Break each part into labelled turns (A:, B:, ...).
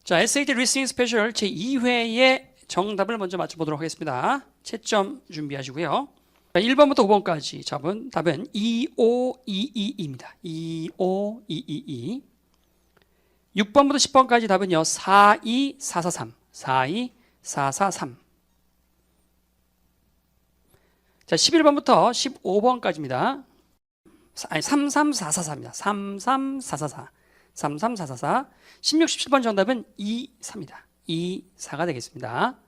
A: 자, SAT 리스닝 스페셜 제2회의 정답을 먼저 맞춰보도록 하겠습니다. 채점 준비하시고요. 1번부터 5번까지 잡은 답은 25222입니다. 25222. 6번부터 10번까지 답은요. 42443. 42443. 자, 11번부터 15번까지입니다. 아니, 33444입니다. 33444. 33444. 16, 17번 정답은 24입니다. 24가 되겠습니다.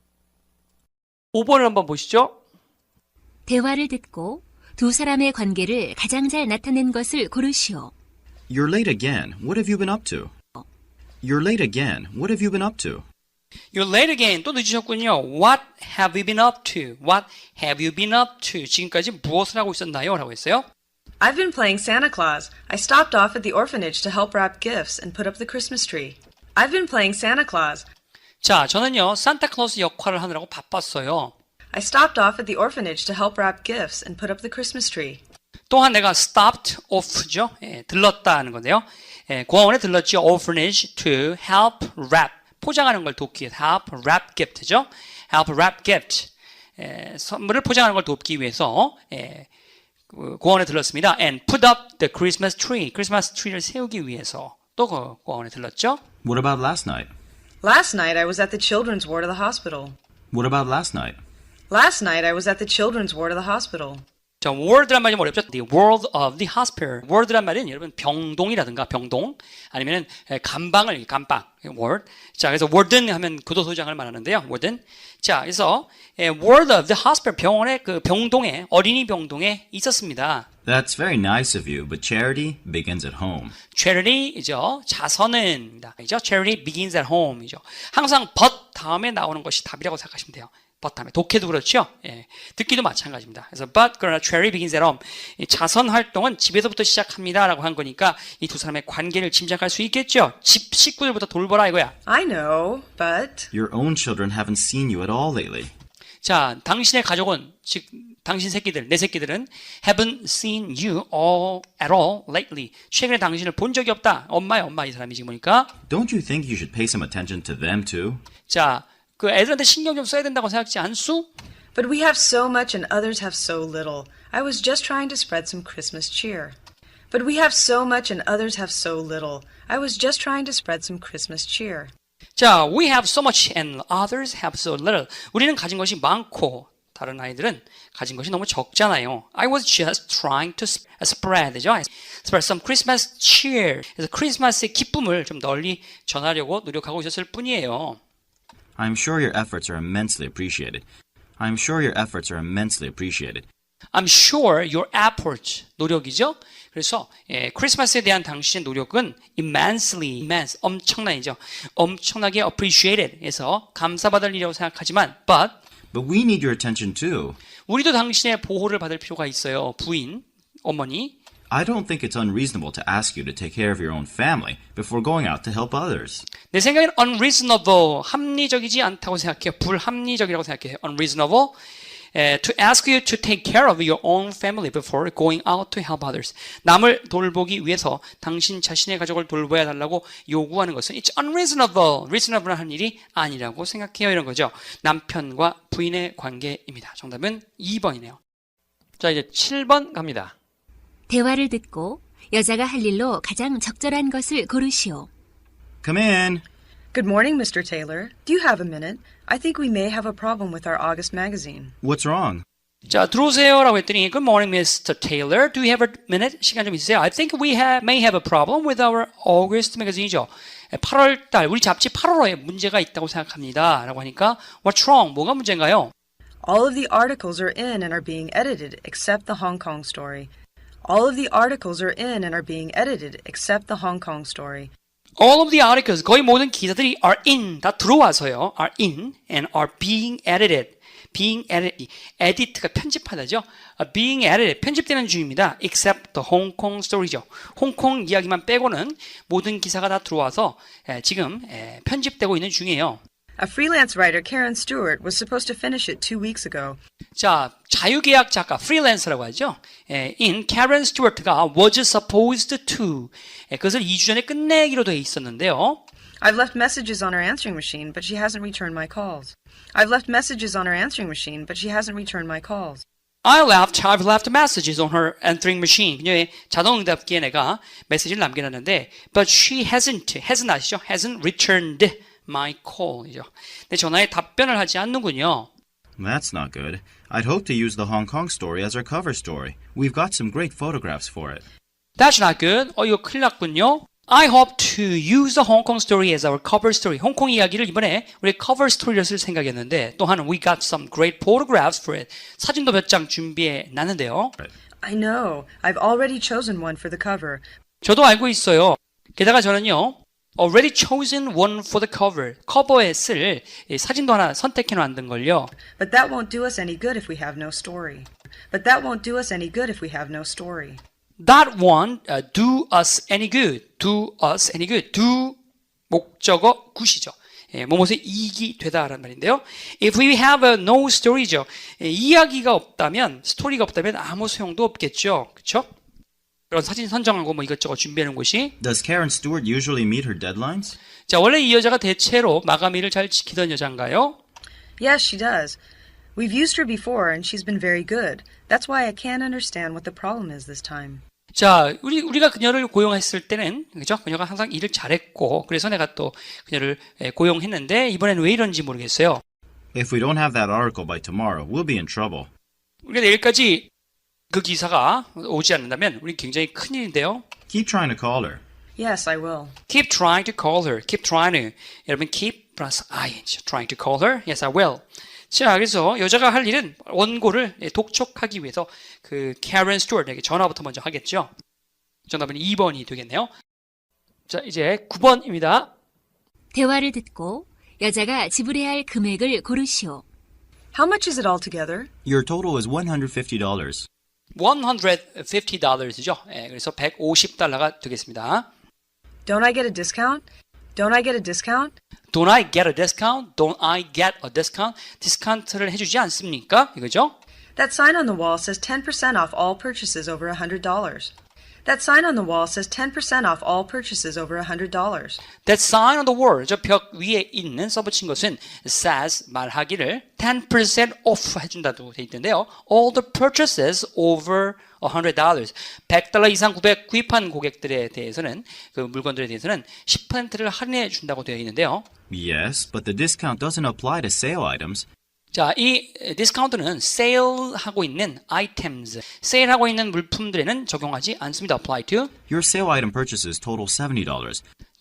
A: 5번을 한번 보시죠.
B: 대화를 듣고 두 사람의 관계를 가장 잘 나타낸 것을 고르시오.
C: You're late again. What have you been up to? You're late again. What have you been up to?
A: You're late again. 또 늦으셨군요. What have you been up to? What have you been up to? 지금까지 무엇을 하고 있었나요? 라고 했어요.
D: I've been playing Santa Claus. I stopped off at the orphanage to help wrap gifts and put up the Christmas tree. I've been playing Santa Claus.
A: 자, 저는요. 산타클로스 역할을 하느라고 바빴어요.
D: I stopped off at the orphanage to help wrap gifts and put up the Christmas tree.
A: 또한 내가 stopped off죠. 들렀다 하는 건데요. 고아원에 들렀죠. orphanage to help wrap. 포장하는 걸 돕기 위해서 help wrap gift죠. help wrap gift. 선물을 포장하는 걸 돕기 위해서 고아원에 들렀습니다. and put up the Christmas tree. 크리스마스 트리를 세우기 위해서 또 고아원에 들렀죠.
C: What about last night?
D: Last night I was at the children's ward of the hospital.
C: What about last night?
D: Last night I was at the children's ward of the hospital.
A: 자, ward란 말이 좀 어렵죠. The ward of the hospital. ward란 말은 여러분 병동이라든가 병동 아니면 감방을 감방 ward. 자, 그래서 warden 하면 교도소장을 말하는데요. warden. 자, 그래서 ward of the hospital 병원의 그 병동에 어린이 병동에 있었습니다.
C: That's very nice of you, but charity begins at home.
A: charity이죠. 자선은입니다. 이죠. charity begins at home이죠. 항상 but 다음에 나오는 것이 답이라고 생각하시면 돼요. but 다음에 독해도 그렇죠. 예, 듣기도 마찬가지입니다. 그래서 but 그러나 charity begins at home. 이 자선 활동은 집에서부터 시작합니다라고 한 거니까 이 두 사람의 관계를 짐작할 수 있겠죠. 집 식구들부터 돌보라 이거야.
D: I know, but...
C: Your own children haven't seen you at all lately.
A: 자, 당신의 가족은 즉 당신 새끼들, 내 새끼들은 haven't seen you all at all lately. 최근에 당신을 본 적이 없다. 엄마야, 엄마 이 사람이 지금 보니까.
C: Don't you think you should pay some attention to them too?
A: 자, 그 애들한테 신경 좀 써야 된다고 생각지 않수?
D: But we have so much and others have so little. I was just trying to spread some Christmas cheer. But we have so much and others have so little. I was just trying to spread some Christmas cheer.
A: 자, we have so much and others have so little. 우리는 가진 것이 많고 다른 아이들은 가진 것이 너무 적잖아요. I was just trying to spread죠. spread some Christmas cheer. 그래서 크리스마스의 기쁨을 좀 널리 전하려고 노력하고 있었을 뿐이에요.
C: I'm sure your efforts are immensely appreciated. I'm sure your efforts are immensely appreciated.
A: I'm sure your effort, 노력이죠. 그래서 크리스마스에 대한 당신의 노력은 immense, 엄청나이죠. 엄청나게 appreciated 해서 감사받을 일이라고 생각하지만
C: But we need your attention too.
A: 우리도 당신의 보호를 받을 필요가 있어요. 부인, 어머니.
C: I don't think it's unreasonable to ask you to take care of your own family before going out to help others.
A: 내 생각엔 unreasonable, 합리적이지 않다고 생각해요. 불합리적이라고 생각해요. unreasonable. To ask you to take care of your own family before going out to help others. 남을 돌보기 위해서 당신 자신의 가족을 돌봐야 달라고 요구하는 것은 it's unreasonable. reasonable 한 일이 아니라고 생각해요. 이런 거죠. 남편과 부인의 관계입니다. 정답은 2번이네요. 자, 이제 7번 갑니다.
B: 대화를 듣고 여자가 할 일로 가장 적절한 것을 고르시오.
C: Come in.
D: Good morning, Mr. Taylor. Do you have a minute? I think we may have a problem with our August magazine.
C: What's wrong?
A: 자, 들어오세요라고 했더니 Good morning, Mr. Taylor. Do you have a minute? 시간 좀 있으세요? I think we may have a problem with our August magazine이죠. 8월 달 우리 잡지 8월호에 문제가 있다고 생각합니다. 라고 하니까 What's wrong? 뭐가 문제인가요?
D: All of the articles are in and are being edited except the Hong Kong story. All of the articles are in and are being edited except the Hong Kong story.
A: All of the articles, 거의 모든 기사들이 are in, 다 들어와서요. are in and are being edited. being edited, edit가 편집하다죠. being edited, 편집되는 중입니다. except the Hong Kong story죠. 홍콩 이야기만 빼고는 모든 기사가 다 들어와서 지금 편집되고 있는 중이에요.
D: A freelance writer, Karen Stewart, was supposed to finish it 2 weeks ago.
A: 자, 자유계약 작가, 프리랜서라고 하죠. in Karen Stewart가 was supposed to 그것을 2주 전에 끝내기로 되어 있었는데요.
D: I've left messages on her answering machine, but she hasn't returned my calls. I've left messages on her answering machine, but she hasn't returned my calls.
A: I've left messages on her answering machine. 그녀의 자동응답기에 내가 메시지를 남겨놨는데, but she hasn't 아시죠? hasn't returned my call이죠. 내 전화에 답변을 하지 않는군요.
C: That's not good. I'd hoped to use the Hong Kong story as our cover story. We've got some great photographs for it.
A: That's not good. 이거 큰일 났군요. I hope to use the Hong Kong story as our cover story. 홍콩 이야기를 이번에 우리 cover story로 쓸 생각이었는데 또한 we got some great photographs for it. 사진도 몇 장 준비해 놨는데요.
D: I know. I've already chosen one for the cover.
A: 저도 알고 있어요. 게다가 저는요. already chosen one for the cover. 커버에 쓸 사진도 하나 선택해 놨는 걸요.
D: But that won't do us any good if we have no story. But that won't do us any good if we have no story.
A: That won't do us any good. Do us any good. do 목적어 굿이죠. 뭐뭐에 이익이 되다라는 말인데요. If we have no story죠. 이야기가 없다면, 스토리가 없다면 아무 소용도 없겠죠. 그렇죠? 그런 사진 선정하고 뭐 이것저것 준비하는 곳이.
C: Does Karen Stewart usually meet her deadlines?
A: 자, 원래 이 여자가 대체로 마감일을 잘 지키던 여자인가요?
D: Yes, she does. We've used her before and she's been very good. That's why I can't understand what the problem is this time.
A: 자, 우리가 그녀를 고용했을 때는, 그죠? 그녀가 항상 일을 잘했고, 그래서 내가 또 그녀를 고용했는데, 이번에는 왜 이런지 모르겠어요.
C: If we don't have that article by tomorrow, we'll be in trouble.
A: 우리가 내일까지 그 기사가 오지 않는다면, 우리 굉장히 큰일인데요.
C: Keep trying to call her.
D: Yes, I will.
A: Keep trying to call her. Keep trying to. 여러분, keep 플러스 ing. Trying to call her. Yes, I will. 자, 그래서 여자가 할 일은 원고를 독촉하기 위해서 그 Karen Stewart에게 전화부터 먼저 하겠죠. 정답은 2번이 되겠네요. 자, 이제 9번입니다.
B: 대화를 듣고 여자가 지불해야 할 금액을 고르시오.
D: How much is it altogether?
C: Your total is $150.
A: $150죠. 그래서 $150가 되겠습니다.
D: Don't I get a discount? Don't I get a discount?
A: Don't I get a discount? Don't I get a discount? 디스카운트를 해주지 않습니까? 이거죠?
D: That sign on the wall says 10% off all purchases over $100. That sign on the wall says 10% off all purchases over $100.
A: That sign on the wall, 저 벽 위에 있는 써붙인 것은 says 말하기를 10% off 해준다고 돼 있는데요. All the purchases over $100. $100 이상 구입한 고객들에 대해서는 그 물건들에 대해서는 10%를 할인해 준다고 되어 있는데요.
C: Yes, but the discount doesn't apply to sale items.
A: 자, 이 디스카운트는 세일하고 있는 items, 세일하고 있는 물품들에는 적용하지 않습니다. apply to.
C: Your sale item purchases total $70.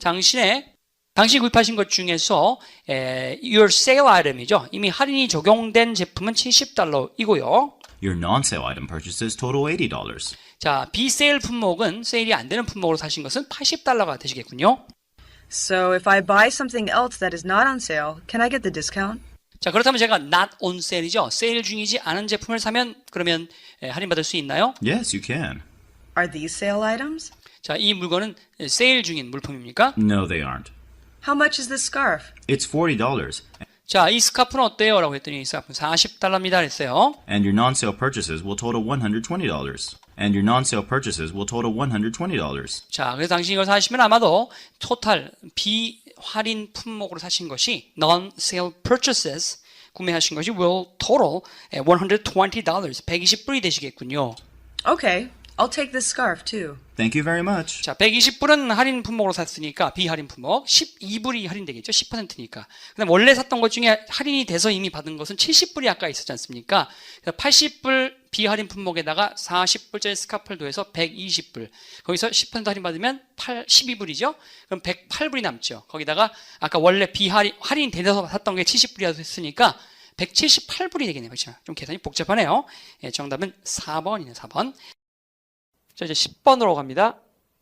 A: 당신이 구입하신 것 중에서 your sale item이죠. 이미 할인이 적용된 제품은 $70이고요.
C: Your non-sale item purchases total $80.
A: 자, 비세일 품목은 세일이 안 되는 품목으로 사신 것은 $80가 되시겠군요.
D: So if I buy something else that is not on sale, can I get the discount?
A: 자, 그렇다면 제가 not on sale이죠. 세일 중이지 않은 제품을 사면 그러면 할인받을 수 있나요?
C: Yes, you can.
D: Are these sale items?
A: 자, 이 물건은 세일 중인 물품입니까?
C: No, they aren't.
D: How much is this scarf?
C: It's $40.
A: 자, 이 스카프는 어때요? 라고 했더니 이 스카프는 $40입니다. 그랬어요.
C: And your non-sale purchases will total $120. And your non-sale purchases will total $120.
A: 자, 그래서 당신이 이걸 사시면 아마도 토탈 비할인 품목으로 사신 것이 non-sale purchases 구매하신 것이 will total $120, $120이 되시겠군요.
D: Okay, I'll take this scarf too.
C: Thank you very much.
A: 자, $120은 할인 품목으로 샀으니까 비할인 품목 12불이 할인되겠죠. 10%니까. 그다음 원래 샀던 것 중에 할인이 돼서 이미 받은 것은 70불이 아까 있었지 않습니까? 그래서 80불 비할인 품목에다가 40불짜리 스카프를 더해서 120불. 거기서 10% 할인 받으면 12불이죠. 그럼 108불이 남죠. 거기다가 아까 원래 할인 돼서 샀던 게 70불이라고 했으니까 178불이 되겠네요. 그렇죠? 좀 계산이 복잡하네요. 정답은 4번이네요. 4번. 자, 이제 10번으로 갑니다.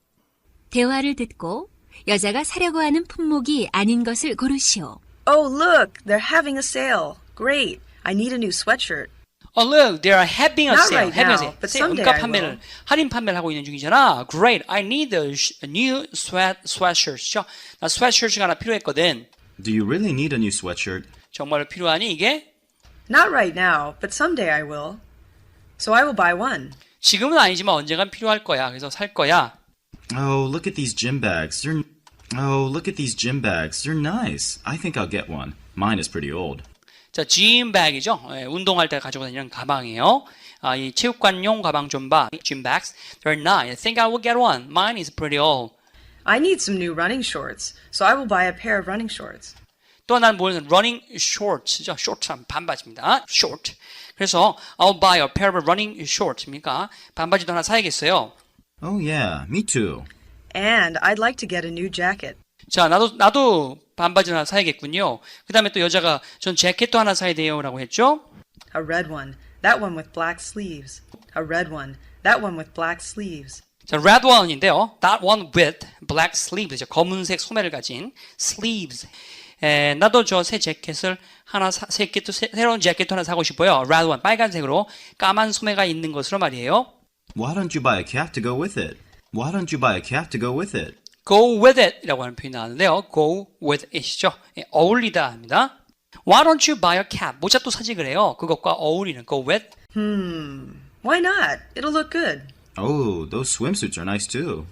B: 대화를 듣고 여자가 사려고 하는 품목이 아닌 것을 고르시오.
D: Oh, look, they're having a sale. Great. I need a new sweatshirt.
A: Oh, look, they are having a
D: Not
A: sale.
D: right
A: having a
D: now,
A: sale.
D: but
A: 세일,
D: someday
A: 원가
D: I
A: 판매를,
D: will.
A: 할인 판매를 하고 있는 중이잖아. Great, I need a new sweatshirt죠. 나 sweatshirt가 하나 필요했거든.
C: Do you really need a new sweatshirt?
A: 정말 필요하니 이게?
D: Not right now, but someday I will. So I will buy one.
A: 지금은 아니지만 언젠간 필요할 거야. 그래서 살 거야.
C: Oh, look at these gym bags. Oh, look at these gym bags. They're nice. I think I'll get one. Mine is pretty old.
A: 자, 짐백이죠. 운동할 때 가지고 다니는 가방이에요. 이 체육관용 가방 좀 봐. Gym bags. They're nice. I think I will get one. Mine is pretty old.
D: I need some new running shorts, so I will buy a pair of running shorts.
A: 또 하나는 뭐냐면 running shorts죠. shorts 반바지입니다. short. 그래서 I'll buy a pair of running shorts입니까? 반바지도 하나 사야겠어요.
C: Oh, yeah, me too.
D: And I'd like to get a new jacket.
A: 자, 나도 반바지 하나 사야겠군요. 그 다음에 또 여자가 전 재킷도 하나 사야 돼요 라고 했죠.
D: A red one. That one with black sleeves. A red one. That one with black sleeves.
A: 자, red one인데요. That one with black sleeves. 검은색 소매를 가진 sleeves. 나도 저 새 재킷을 하나 새로운 재킷도 하나 사고 싶어요. red one. 빨간색으로 까만 소매가 있는 것으로 말이에요.
C: Why don't you buy a cap to go with it? Why don't you buy a cap to go with it?
A: go with it 이라고 하는 표현이 나왔는데요. go with it이죠. 어울리다 합니다. Why don't you buy a cap? 모자 또 사지 그래요. 그것과 어울리는 go with.
D: Why not? It'll look good.
C: Oh, those swimsuits are nice too.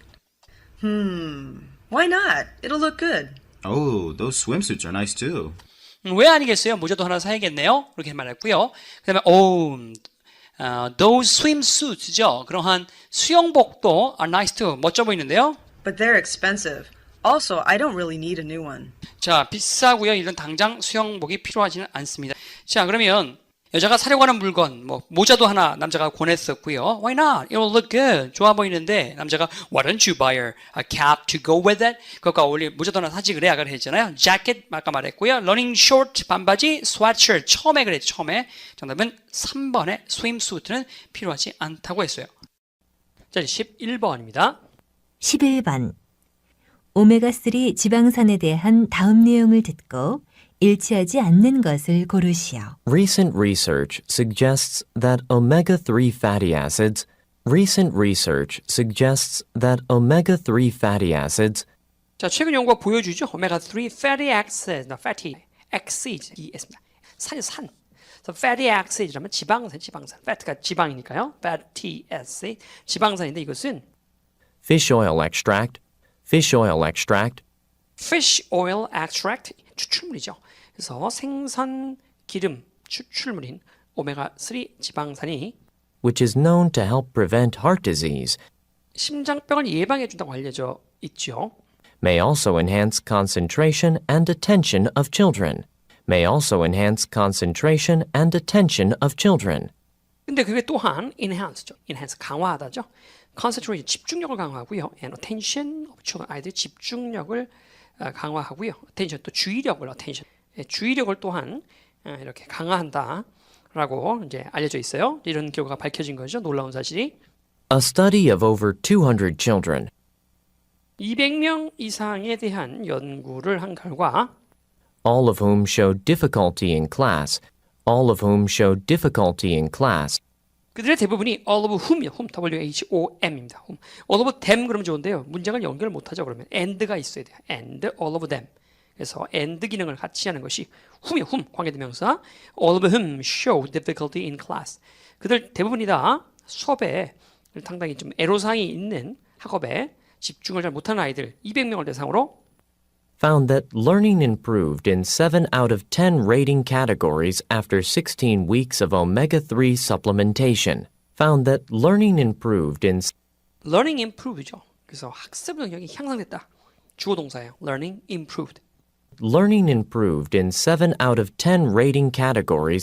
D: Why not? It'll look good.
C: Oh, those swimsuits are nice too.
A: 왜 아니겠어요? 모자도 하나 사야겠네요. 그렇게 말했고요. 그 다음에 those swimsuits죠. 그러한 수영복도 are nice too. 멋져 보이는데요.
D: But they're expensive. Also, I don't really need a new one.
A: 자, 비싸고요. 이런 당장 수영복이 필요하지는 않습니다. 자, 그러면 여자가 사려고 하는 물건, 모자도 하나 남자가 권했었고요. Why not? It will look good. 좋아 보이는데 남자가 Why don't you buy a cap to go with it? 그것과 어울릴 모자도 하나 사지 그래. 아까 했잖아요. jacket 아까 말했고요. running short 반바지, sweatshirt 처음에 그랬죠. 처음에 정답은 3번의 swimsuit는 필요하지 않다고 했어요. 자, 11번입니다.
B: 11번. 오메가3 지방산에 대한 다음 내용을 듣고 일치하지 않는 것을 고르시오.
E: Recent research suggests that omega-3 fatty acids
A: 자, 최근 연구가 보여주죠. 오메가3 fatty acids, 이 S입니다. 산. 그래서 fatty acids라면 지방산. fat가 지방이니까요. fatty acid, 지방산인데 이것은
E: fish oil extract,
A: fish oil extract, 추출물이죠. 그래서 생선 기름 추출물인 오메가3 지방산이
E: which is known to help prevent heart disease,
A: 심장병을 예방해 준다고 알려져 있죠.
E: may also enhance concentration and attention of children.
A: 근데 그게 또한 enhance죠. enhance 강화하다죠. concentration 집중력을 강화하고요. and attention of children 아이들의 집중력을 강화하고요. attention 또 주의력을 주의력을 또한 이렇게 강화한다라고 이제 알려져 있어요. 이런 결과가 밝혀진 거죠. 놀라운 사실이.
E: A study of over 200 children
A: 200명 이상에 대한 연구를 한 결과
E: all of whom showed difficulty in class.
A: 그들의 대부분이 all of whom이요. W-H-O-M입니다. whom. all of them 그러면 좋은데요. 문장을 연결 못하죠. 그러면 and가 있어야 돼요. and all of them. 그래서 and 기능을 같이 하는 것이 whom이요. whom 관계대명사. all of whom showed difficulty in class. 그들 대부분이 다 수업에 상당히 좀 애로사항이 있는 학업에 집중을 잘 못하는 아이들 200명을 대상으로
E: found that learning improved in 7 out of 10 rating categories after 16 weeks of omega-3 supplementation.
A: learning improve죠. 그래서 학습 능력이 향상됐다. 주어 동사예요. learning improved.
E: Learning improved in 7 out of 10 rating categories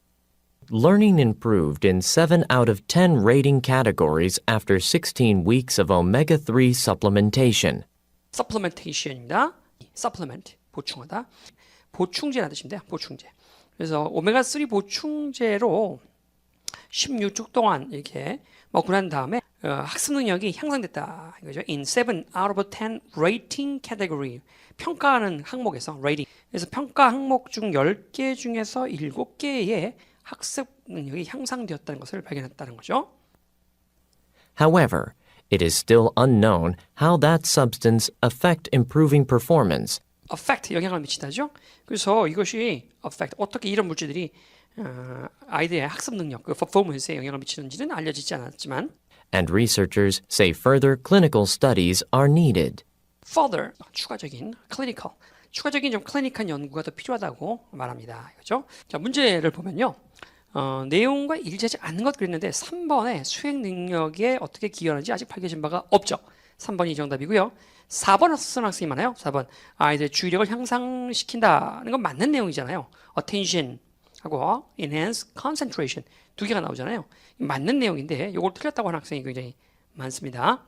E: after 16 weeks of omega-3 supplementation.
A: supplementation입니다. supplement 보충하다. 보충제라는 뜻인데요. 보충제. 그래서 오메가3 보충제로 16주 동안 이렇게 먹고 난 다음에 학습 능력이 향상됐다. 이거죠. In 7 out of 10 rating category. 평가하는 항목에서 rating. 그래서 평가 항목 중 10개 중에서 7개의 학습 능력이 향상되었다는 것을 발견했다는 거죠.
E: However, it is still unknown how that substance affect improving performance.
A: affect 영향을 미치다죠. 그래서 이것이 affect 어떻게 이런 물질들이 아이들의 학습 능력, 그 performance에 영향을 미치는지는 알려지지 않았지만
E: And researchers say further clinical studies are needed.
A: further 추가적인 clinical 추가적인 좀 클리닉한 연구가 더 필요하다고 말합니다. 그렇죠? 자, 문제를 보면요. 내용과 일치하지 않는 것 그랬는데 3번에 수행 능력에 어떻게 기여하는지 아직 밝혀진 바가 없죠. 3번이 정답이고요. 4번 쓴 학생이 많아요. 4번 아이들의 주의력을 향상시킨다는 건 맞는 내용이잖아요. attention 하고 enhance concentration 두 개가 나오잖아요. 맞는 내용인데 이걸 틀렸다고 하는 학생이 굉장히 많습니다.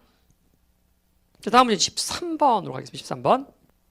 A: 자, 다음 문제 13번으로 가겠습니다. 13번.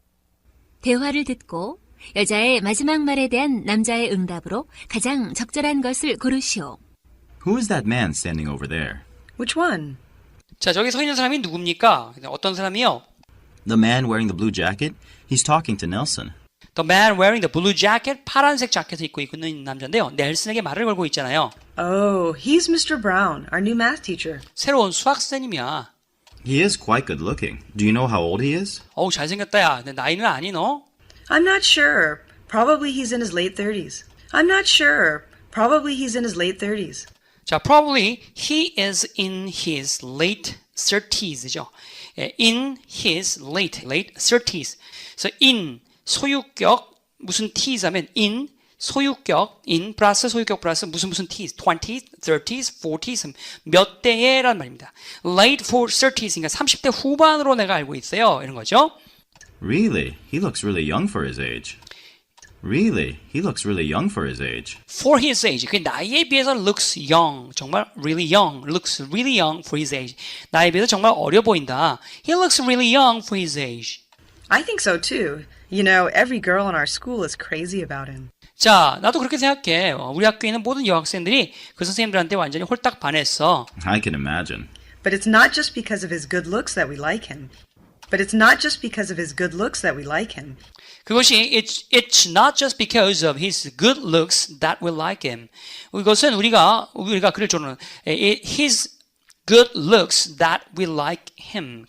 B: 대화를 듣고 여자의 마지막 말에 대한 남자의 응답으로 가장 적절한 것을 고르시오.
C: Who is that man standing over there?
D: Which one?
A: 자, 저기 서 있는 사람이 누굽니까? 어떤 사람이요?
C: The man wearing the blue jacket? He's talking to Nelson.
A: The man wearing the blue jacket, 파란색 자켓을 입고 있는 남자인데요. 넬슨에게 말을 걸고 있잖아요.
D: Oh, he's Mr. Brown, our new math teacher.
A: 새로운 수학 선생님이야.
C: He is quite good looking. Do you know how old he is?
A: 어우, 잘생겼다, 야. 내 나이는 아니, 너?
D: I'm not sure. Probably he's in his late 30s. I'm not sure. Probably he's in his late 30s.
A: 자, probably he is in his late 30s죠. In his late 30s. 그래서 in, 소유격, 무슨 t's 하면 in, 소유격, in 플러스 소유격 플러스 무슨 t's, 20s, 30s, 40s, 몇 대에라는 말입니다. Late 30s, 그러니까 30대 후반으로 내가 알고 있어요. 이런 거죠.
C: Really? He looks really young for his age. Really? He looks really young for his age.
A: For his age, 그 나이에 비해서 looks young, 정말 really young, looks really young for his age. 나이에 비해서 정말 어려 보인다. He looks really young for his age.
D: I think so too. You know, every girl in our school is crazy about him.
A: 자, 나도 그렇게 생각해. 우리 학교에 있는 모든 여학생들이 그 선생님들한테 완전히 홀딱 반했어.
C: I can imagine.
D: But it's not just because of his good looks that we like him. But it's not just because of his good looks that we like him.
A: 그것이 it's not just because of his good looks that we like him. 이것은 우리가 그를 좋아하는 his good looks that we like him.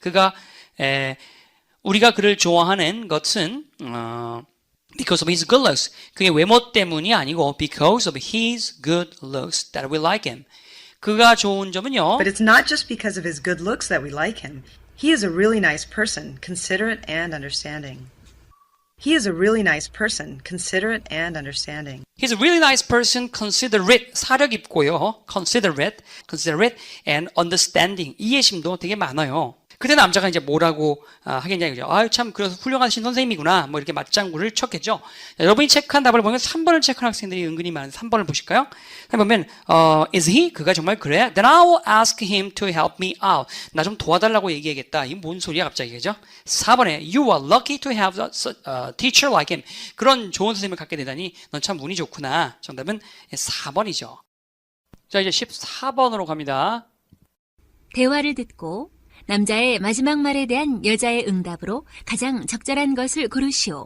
A: 우리가 그를 좋아하는 것은 because of his good looks. 그의 외모 때문이 아니고 because of his good looks that we like him. 그가 좋은 점은요.
D: But it's not just because of his good looks that we like him. He is a really nice person, considerate and understanding. He is a really nice person, considerate and understanding.
A: He's a really nice person, considerate, 사려 깊고요. considerate and understanding. 이해심도 되게 많아요. 그때 남자가 이제 뭐라고 하겠냐 그죠? 아유 참 그래서 훌륭하신 선생님이구나. 뭐 이렇게 맞장구를 쳤겠죠. 자, 여러분이 체크한 답을 보면 3번을 체크한 학생들이 은근히 많은 3번을 보실까요? 보면 is he? 그가 정말 그래? Then I will ask him to help me out. 나 좀 도와달라고 얘기하겠다. 이게 뭔 소리야 갑자기 그죠? 4번에 you are lucky to have a teacher like him. 그런 좋은 선생님을 갖게 되다니 넌 참 운이 좋구나. 정답은 4번이죠. 자 이제 14번으로 갑니다.
B: 대화를 듣고 남자의 마지막 말에 대한 여자의 응답으로 가장 적절한 것을 고르시오.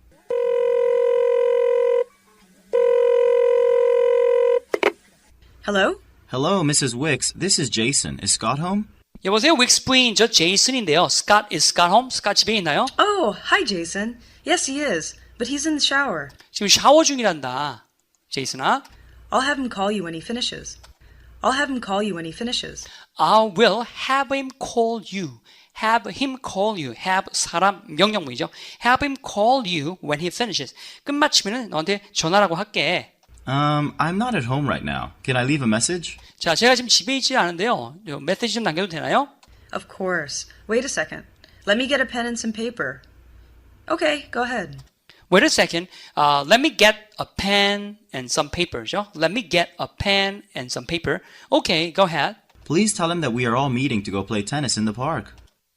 D: Hello?
C: Hello, Mrs. Wicks. This is Jason. Is Scott home?
A: 여보세요, 윅스 부인 저 제이슨인데요. Scott is Scott home? Scott 집에 있나요?
D: Oh, hi, Jason. Yes, he is, but he's in the shower.
A: 지금 샤워 중이란다. 제이슨아.
D: I'll have him call you when he finishes. I'll have him call you when he finishes.
A: I will have him call you. Have him call you. Have 사람 명령문이죠. Have him call you when he finishes. 끝마치면은 너한테 전화라고 할게.
C: I'm not at home right now. Can I leave a message?
A: 자, 제가 지금 집에 있지 않은데요. 메시지 좀 남겨도 되나요?
D: Of course. Wait a second. Let me get a pen and some paper. Okay, go ahead.
A: Wait a second. Let me get a pen and some paper죠. Let me get a pen and some paper. Okay, go ahead.
C: Please tell him that we are all meeting to go play tennis in the park.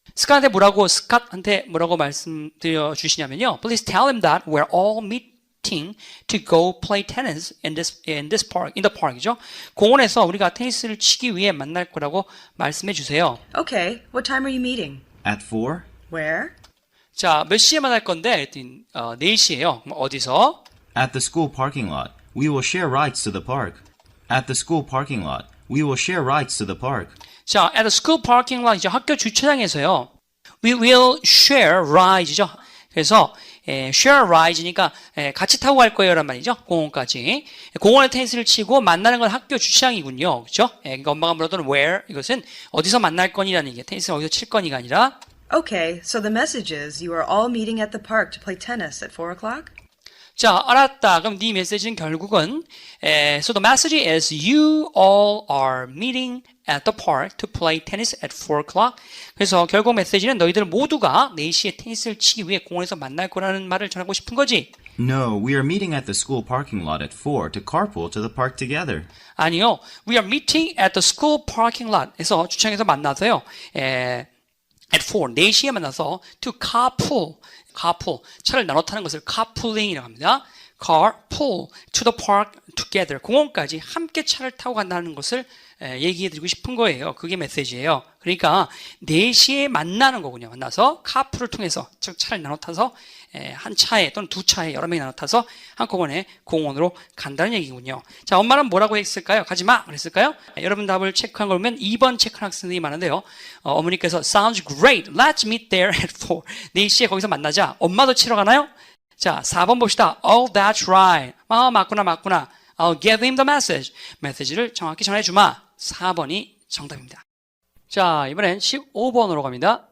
A: 스캇한테 뭐라고 말씀드려 주시냐면요. Please tell him that we're all meeting to go play tennis in the park이죠. 공원에서 우리가 테니스를 치기 위해 만날 거라고 말씀해 주세요.
D: Okay, what time are you meeting?
C: At 4?
D: Where?
A: 자, 몇 시에 만날 건데? 4시예요. 어디서?
C: At the school parking lot. We will share rides to the park. At the school parking lot. We will share rides to the park.
A: 자, at the school parking lot, 이제 학교 주차장에서요. We will share ride죠. 그래서 share ride니까 같이 타고 갈 거예요란 말이죠. 공원까지. 공원에 테니스를 치고 만나는 건 학교 주차장이군요. 그렇죠? 그러니까 엄마가 물어보는 where 이것은 어디서 만날 거니라는 얘기예요. 테니스는 어디서 칠 거니가 아니라
D: Okay, so the message is you are all meeting at the park to play tennis at 4 o'clock?
A: 자, 알았다. 그럼 네 메시지는 결국은 so the message is you all are meeting at the park to play tennis at 4 o'clock. 그래서 결국 메시지는 너희들 모두가 4시에 테니스를 치기 위해 공원에서 만날 거라는 말을 전하고 싶은 거지.
C: No, we are meeting at the school parking lot at 4 to carpool to the park together.
A: 아니요. We are meeting at the school parking lot.에서 주차장에서 만나서요. at 4, 4시에 만나서 to carpool, 차를 나눠 타는 것을 carpooling이라고 합니다. carpool to the park together, 공원까지 함께 차를 타고 간다는 것을 얘기해드리고 싶은 거예요. 그게 메시지예요. 그러니까 4시에 만나는 거군요. 만나서 carpool을 통해서 즉 차를 나눠 타서 한 차에 또는 두 차에 여러 명이 나눠 타서 한꺼번에 공원으로 간다는 얘기군요. 자, 엄마는 뭐라고 했을까요? 가지마 그랬을까요? 여러분 답을 체크한 걸 보면 2번 체크한 학생들이 많은데요. 어머니께서 sounds great. Let's meet there at 4. 4시에 거기서 만나자. 엄마도 치러 가나요? 자, 4번 봅시다. Oh, that's right. 맞구나. I'll give him the message. 메시지를 정확히 전해주마. 4번이 정답입니다. 자, 이번엔 15번으로 갑니다.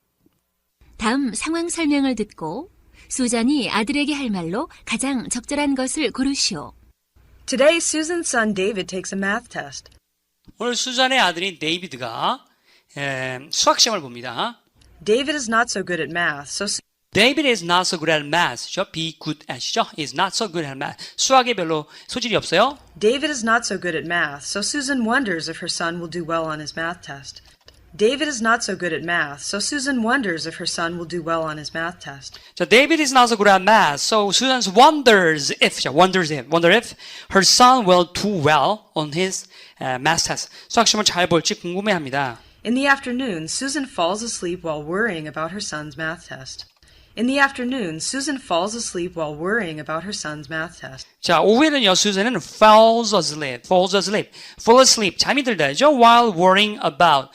B: 다음 상황 설명을 듣고 수잔이 아들에게 할 말로 가장 적절한 것을 고르시오.
D: Today, Susan's son David takes a math test.
A: 오늘 수잔의 아들인 데이비드가 수학 시험을 봅니다.
D: David is not so good at math, so
A: David is not so good at math. be good at이죠. is not so good at math. 수학에 별로 소질이 없어요.
D: David is not so good at math, so Susan wonders if her son will do well on his math test. David is not so good at math, so Susan wonders if her son will do well on his math test.
A: 자, David is not so good at math, so Susan wonders if her son will do well on his math test. 수학 시험을 잘 볼지 궁금해합니다.
D: In the afternoon, Susan falls asleep while worrying about her son's math test. In the afternoon, Susan falls asleep while worrying about her son's math test.
A: 자, 오후에는요, 수잔은 falls asleep, 잠이 들다죠. while worrying about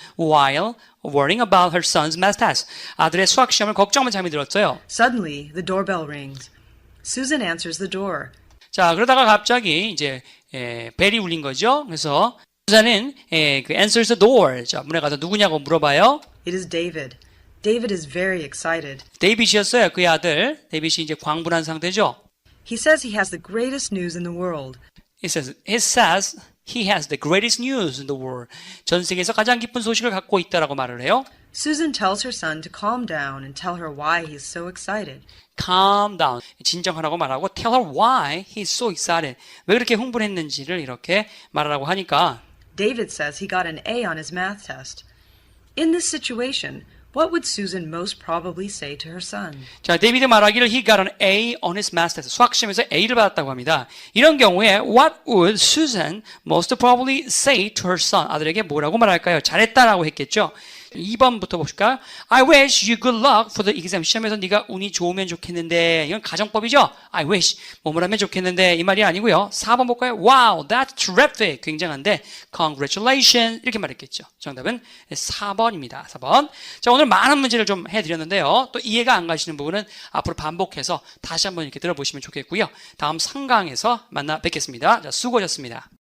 A: her son's math test. 아들의 수학 시험을 걱정하면 잠이 들었어요.
D: Suddenly, the doorbell rings. Susan answers the door.
A: 자, 그러다가 갑자기 이제 벨이 울린 거죠. 그래서 수잔은 그 answers the door. 자, 문에 가서 누구냐고 물어봐요.
D: It is David. David is very excited.
A: 데이빗이었어요. 그의 아들. 데이빗이 이제 광분한 상태죠.
D: He says he has the greatest news in the world.
A: He says he has the greatest news in the world. 전 세계에서 가장 기쁜 소식을 갖고 있다라고 말을 해요.
D: Susan tells her son to calm down and tell her why he's so excited.
A: Calm down. 진정하라고 말하고 tell her why he's so excited. 왜 그렇게 흥분했는지를 이렇게 말하라고 하니까
D: David says he got an A on his math test. In this situation, what would Susan most probably say to her son?
A: 자, 데이비드 말하기를 he got an A on his math test. 수학 시험에서 A를 받았다고 합니다. 이런 경우에 what would Susan most probably say to her son? 아들에게 뭐라고 말할까요? 잘했다라고 했겠죠. 2번부터 보실까요? I wish you good luck for the exam. 시험에서 네가 운이 좋으면 좋겠는데 이건 가정법이죠. I wish 뭐뭐 하면 좋겠는데 이 말이 아니고요. 4번 볼까요? Wow, that's terrific. 굉장한데 congratulations 이렇게 말했겠죠. 정답은 4번입니다. 4번. 자, 오늘 많은 문제를 좀 해드렸는데요. 또 이해가 안 가시는 부분은 앞으로 반복해서 다시 한번 이렇게 들어보시면 좋겠고요. 다음 3강에서 만나 뵙겠습니다. 자, 수고하셨습니다.